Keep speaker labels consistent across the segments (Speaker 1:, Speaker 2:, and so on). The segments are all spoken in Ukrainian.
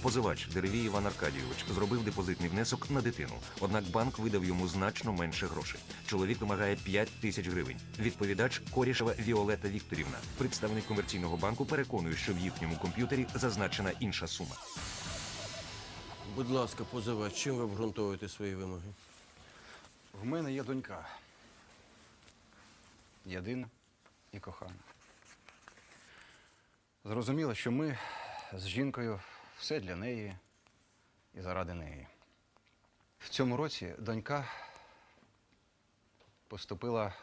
Speaker 1: Позивач Деревій Іван Аркадійович зробив депозитний внесок на дитину, однак банк видав йому значно менше грошей. Чоловік вимагає 5 тисяч гривень. Відповідач Корішева Віолета Вікторівна, представник комерційного банку, переконує, що в їхньому комп'ютері зазначена інша сума.
Speaker 2: Будь ласка, позивач, чим ви обґрунтовуєте свої вимоги?
Speaker 3: В мене є донька. Єдина і кохана. Зрозуміло, що ми з жінкою все для неї і заради неї. В цьому році донька поступила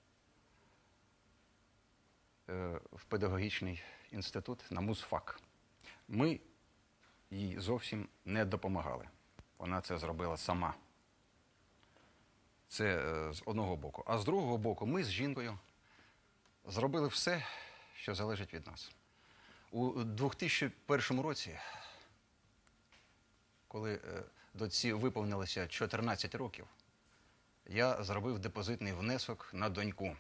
Speaker 3: в педагогічний інститут на музфак. Ми їй зовсім не допомагали. Вона це зробила сама. Це з одного боку. А з другого боку, ми з жінкою зробили все, що залежить від нас. У 2001 році, коли дочці виповнилося 14 років, я зробив депозитний внесок на доньку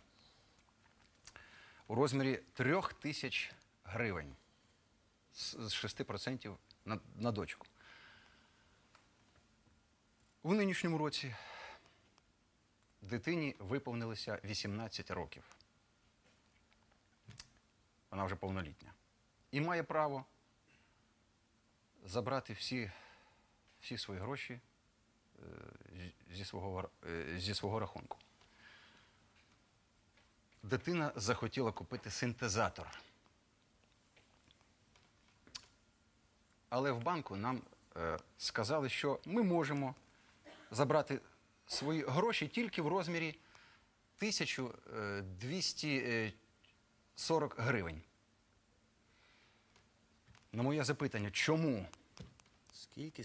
Speaker 3: у розмірі 3 тисяч гривень з 6% на дочку. У нинішньому році дитині виповнилося 18 років. Вона вже повнолітня. І має право забрати всі свої гроші зі свого рахунку. Дитина захотіла купити синтезатор. Але в банку нам сказали, що ми можемо забрати свої гроші тільки в розмірі 1240 гривень. На моє запитання, чому?
Speaker 2: Скільки?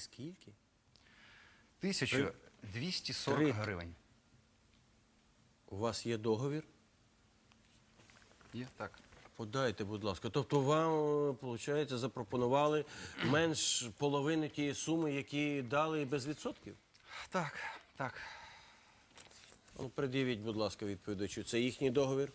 Speaker 3: 1240 гривень.
Speaker 2: У вас є договір?
Speaker 3: Є, так.
Speaker 2: Подайте, будь ласка. Тобто вам, виходить, запропонували менш половини тієї суми, які дали без відсотків?
Speaker 3: Так, так.
Speaker 2: Ну, пред'явіть, будь ласка, відповідачу. Це їхній договір?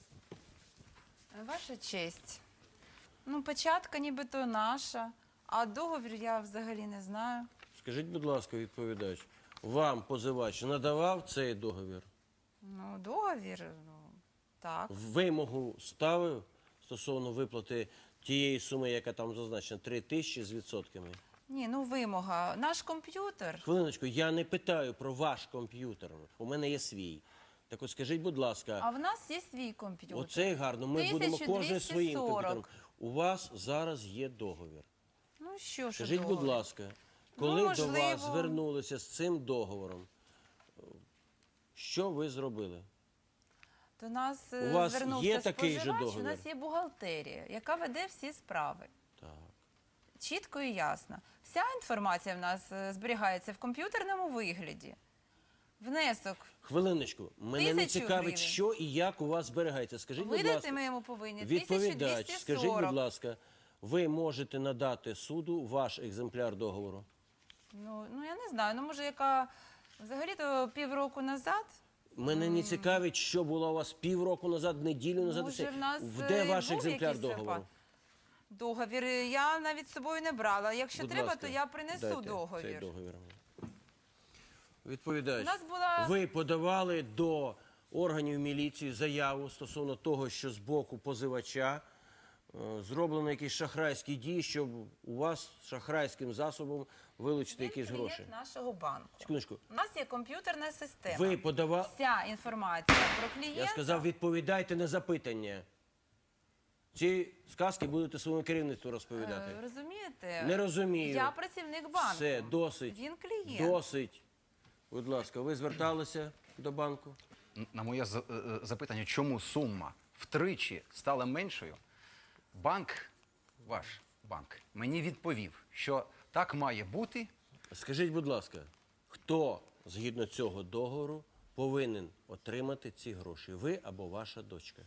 Speaker 4: Ваша честь, ну, печатка нібито наша, а договір я взагалі не знаю.
Speaker 2: Скажіть, будь ласка, відповідач, вам позивач надавав цей договір?
Speaker 4: Ну, договір, ну, так.
Speaker 2: Вимогу ставив стосовно виплати тієї суми, яка там зазначена, 3 тисячі з відсотками?
Speaker 4: Ні, ну, вимога. Наш комп'ютер.
Speaker 2: Хвилиночку, я не питаю про ваш комп'ютер. У мене є свій. Так от скажіть, будь ласка,
Speaker 4: А в нас є свій комп'ютер.
Speaker 2: оце гарно, ми будемо кожен своїм
Speaker 4: 1240.
Speaker 2: комп'ютером. У вас зараз є договір.
Speaker 4: Ну, що ж
Speaker 2: Скажіть, будь
Speaker 4: договір?
Speaker 2: ласка, коли
Speaker 4: можливо.
Speaker 2: до вас звернулися з цим договором, що ви зробили?
Speaker 4: До нас
Speaker 2: У вас
Speaker 4: звернувся
Speaker 2: є такий же
Speaker 4: споживач,
Speaker 2: договір?
Speaker 4: у нас є бухгалтерія, яка веде всі справи.
Speaker 2: Так.
Speaker 4: Чітко і ясно. Вся інформація в нас зберігається в комп'ютерному вигляді. Внесок.
Speaker 2: Хвилиночку, мене не
Speaker 4: 1000
Speaker 2: цікавить,
Speaker 4: гривень.
Speaker 2: що і як у вас зберігається. Скажіть, будь
Speaker 4: Видати
Speaker 2: ласка,
Speaker 4: ми йому повинні
Speaker 2: відповідач,
Speaker 4: 1240.
Speaker 2: скажіть, будь ласка, ви можете надати суду ваш екземпляр договору?
Speaker 4: Ну, я не знаю. Ну, може, яка взагалі-то півроку назад.
Speaker 2: Мене не цікавить, що було у вас півроку назад, неділю назад.
Speaker 4: Може, в нас
Speaker 2: Де ваш
Speaker 4: був
Speaker 2: екземпляр
Speaker 4: якийсь
Speaker 2: договору?
Speaker 4: Договір я навіть з собою не брала. Якщо
Speaker 2: Будь
Speaker 4: треба,
Speaker 2: ласка,
Speaker 4: то я принесу
Speaker 2: дайте
Speaker 4: договір.
Speaker 2: цей договір. Відповідач,
Speaker 4: У нас була-
Speaker 2: ви подавали до органів міліції заяву стосовно того, що з боку позивача зроблено якісь шахрайські дії, щоб у вас шахрайським засобом вилучити
Speaker 4: Він
Speaker 2: якісь
Speaker 4: клієнт
Speaker 2: гроші.
Speaker 4: нашого банку.
Speaker 2: Секундочку.
Speaker 4: У нас є комп'ютерна система.
Speaker 2: Ви подавали...
Speaker 4: Вся інформація про клієнта.
Speaker 2: Я сказав, відповідайте на запитання. Ці сказки будете своєму керівництву розповідати.
Speaker 4: Розумієте?
Speaker 2: Не розумію.
Speaker 4: Я працівник банку.
Speaker 2: Все, досить.
Speaker 4: Він клієнт.
Speaker 2: Досить. Будь ласка, ви зверталися до банку?
Speaker 3: На моє запитання, чому сума втричі стала меншою, ваш банк, мені відповів, що так має бути.
Speaker 2: Скажіть, будь ласка, хто згідно цього договору повинен отримати ці гроші? Ви або ваша дочка?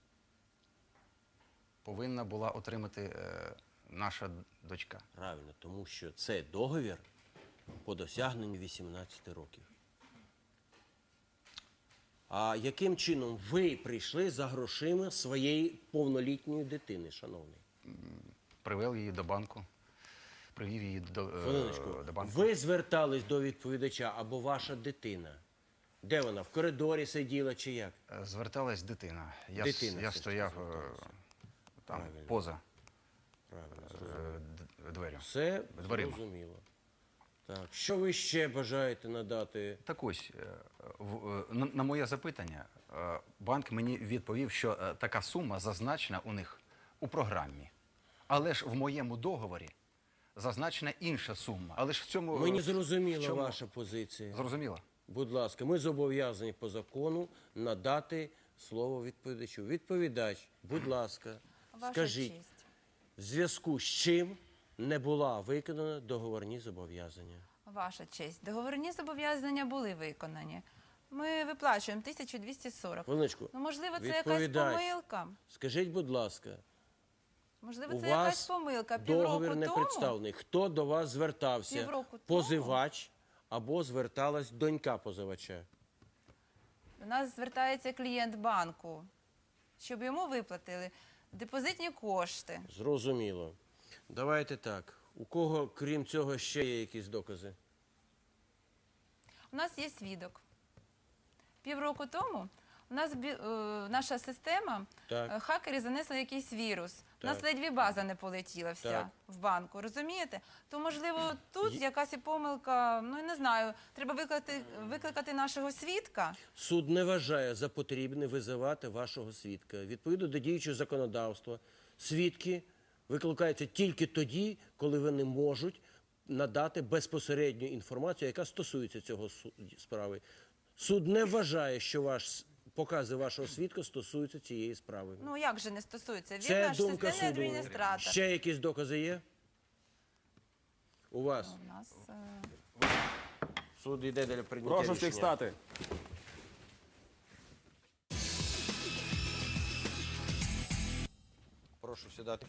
Speaker 3: Повинна була отримати наша дочка.
Speaker 2: Правильно, тому що це договір по досягненню 18 років. А яким чином ви прийшли за грошима своєї повнолітньої дитини, шановний?
Speaker 3: Привели її до банку. привів її
Speaker 2: Хвилиночку.
Speaker 3: до банку.
Speaker 2: Ви звертались до відповідача або ваша дитина? Де вона? В коридорі сиділа чи як?
Speaker 3: Зверталась дитина.
Speaker 2: Дитина
Speaker 3: Я
Speaker 2: все ж
Speaker 3: стояв
Speaker 2: таки зверталася.
Speaker 3: там
Speaker 2: Правильно.
Speaker 3: поза
Speaker 2: Правильно.
Speaker 3: дверю.
Speaker 2: Все
Speaker 3: Дверима.
Speaker 2: зрозуміло. Так. Що ви ще бажаєте надати?
Speaker 3: Так ось, на моє запитання, банк мені відповів, що така сума зазначена у них у програмі. Але ж в моєму договорі зазначена інша сума. Але ж в цьому...
Speaker 2: Мені зрозуміла
Speaker 3: в чому-
Speaker 2: ваша позиція.
Speaker 3: Зрозуміло?
Speaker 2: Будь ласка, ми зобов'язані по закону надати слово відповідачу. Відповідач, будь ласка,
Speaker 4: Ваша
Speaker 2: скажіть,
Speaker 4: честь.
Speaker 2: в зв'язку з чим не була виконана договорні зобов'язання?
Speaker 4: Ваша честь. Договорні зобов'язання були виконані. Ми виплачуємо 1240.
Speaker 2: Хвилиночку.
Speaker 4: Ну, можливо, це якась
Speaker 2: Відповідач.
Speaker 4: помилка.
Speaker 2: Скажіть, будь ласка,
Speaker 4: Можливо,
Speaker 2: у
Speaker 4: це якась
Speaker 2: вас
Speaker 4: помилка.
Speaker 2: договір
Speaker 4: Півроку
Speaker 2: не
Speaker 4: тому
Speaker 2: представлений. Хто до вас звертався?
Speaker 4: Півроку тому?
Speaker 2: Позивач або зверталась донька позивача?
Speaker 4: до нас звертається клієнт банку, щоб йому виплатили депозитні кошти.
Speaker 2: Зрозуміло. Давайте так. У кого, крім цього, ще є якісь докази?
Speaker 4: У нас є свідок. Півроку тому у нас наша система,
Speaker 2: Так.
Speaker 4: хакери занесли якийсь вірус. У нас
Speaker 2: Так.
Speaker 4: ледві база не полетіла вся
Speaker 2: Так.
Speaker 4: в банку, розумієте? То, можливо, тут якась і помилка, ну, я не знаю, треба викликати нашого свідка.
Speaker 2: Суд не вважає за потрібне визивати вашого свідка. Відповідно до діючого законодавства, свідки викликаються тільки тоді, коли вони можуть надати безпосередню інформацію, яка стосується цього справи. Суд не вважає, що покази вашого свідка стосуються цієї справи.
Speaker 4: Ну, як же не стосується? Він
Speaker 2: Це
Speaker 4: наш
Speaker 2: думка
Speaker 4: системний
Speaker 2: суду.
Speaker 4: адміністратор.
Speaker 2: Ще якісь докази є? У вас?
Speaker 4: У нас,
Speaker 2: Суд йде для прийняття
Speaker 5: Прошу всіх
Speaker 2: рішення.
Speaker 5: стати.
Speaker 2: Прошу сідати.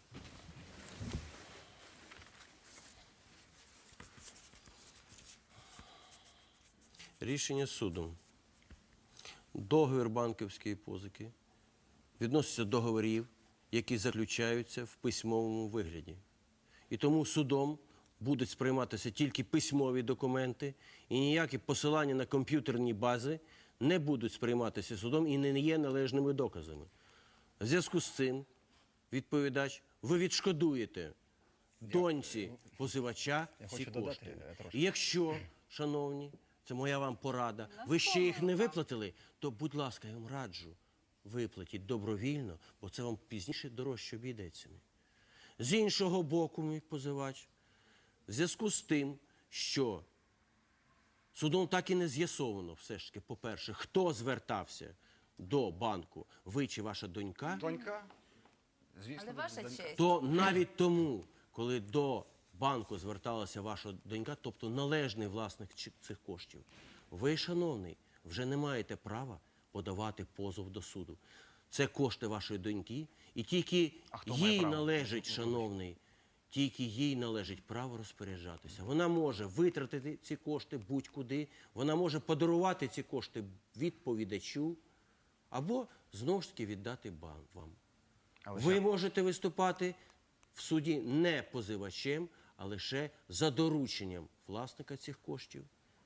Speaker 2: Рішення суду. Договір банківської позики відноситься до договорів, які заключаються в письмовому вигляді. І тому судом будуть сприйматися тільки письмові документи, і ніякі посилання на комп'ютерні бази не будуть сприйматися судом і не є належними доказами. В зв'язку з цим, відповідач, ви відшкодуєте доньці позивача ці
Speaker 3: хочу додати,
Speaker 2: кошти.
Speaker 3: трошки.
Speaker 2: І якщо, шановні, це моя вам порада, ви ще їх не виплатили, то, будь ласка, я вам раджу, виплатіть добровільно, бо це вам пізніше дорожче обійдеться. З іншого боку, мій позивач, в зв'язку з тим, що судом так і не з'ясовано, все ж таки, по-перше, хто звертався до банку, ви чи ваша донька,
Speaker 3: Донька, звісно,
Speaker 4: Але ваша
Speaker 3: донька.
Speaker 4: честь.
Speaker 2: то навіть тому, коли до банку зверталася ваша донька, тобто належний власник цих коштів, ви, шановний, вже не маєте права подавати позов до суду. Це кошти вашої доньки, і тільки
Speaker 3: хто має
Speaker 2: їй
Speaker 3: право?
Speaker 2: належить, шановний, тільки їй належить право розпоряджатися. Вона може витратити ці кошти будь-куди, вона може подарувати ці кошти відповідачу або, знову ж таки, віддати вам.
Speaker 3: Але
Speaker 2: Ви
Speaker 3: ж-
Speaker 2: можете виступати в суді не позивачем, а лише за дорученням власника цих коштів,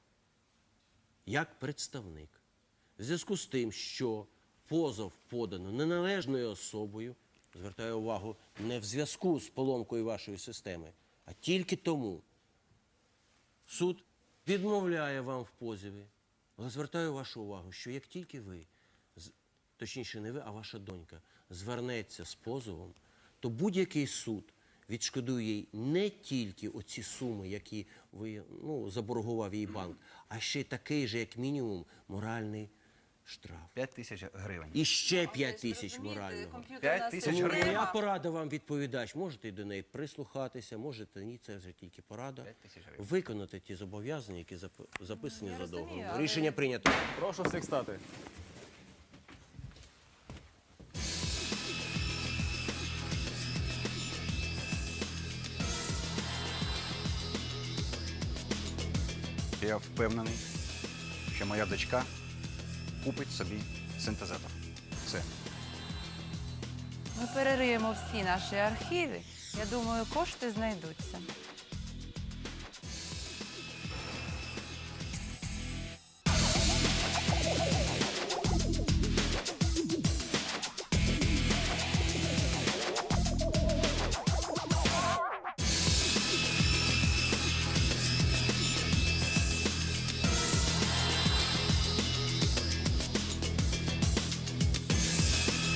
Speaker 2: як представник. В зв'язку з тим, що позов подано неналежною особою, звертаю увагу, не в зв'язку з поломкою вашої системи, а тільки тому, суд відмовляє вам в позові. Але звертаю вашу увагу, що як тільки ви, точніше не ви, а ваша донька, звернеться з позовом, то будь-який суд відшкодує їй не тільки оці суми, які заборгував їй банк, а ще й такий же, як мінімум, моральний штраф.
Speaker 3: 5 тисяч гривень.
Speaker 2: І ще
Speaker 4: Але
Speaker 2: 5
Speaker 4: ж,
Speaker 2: тисяч
Speaker 4: розумієте,
Speaker 2: морального.
Speaker 4: комп'ютерна
Speaker 3: 5 тисяч
Speaker 2: Тому
Speaker 3: гривень.
Speaker 2: моя
Speaker 4: система-
Speaker 2: порада вам, відповідач, можете й до неї прислухатися, можете ні, це вже тільки порада.
Speaker 3: 5 тисяч гривень.
Speaker 2: Виконати ті зобов'язання, які записані
Speaker 4: Я
Speaker 2: за
Speaker 4: розумію,
Speaker 2: договором.
Speaker 4: але-
Speaker 2: Рішення прийнято.
Speaker 5: Прошу всіх стати.
Speaker 3: Я впевнений, що моя дочка купить собі синтезатор. Все.
Speaker 4: Ми перериємо всі наші архіви Я думаю, кошти знайдуться.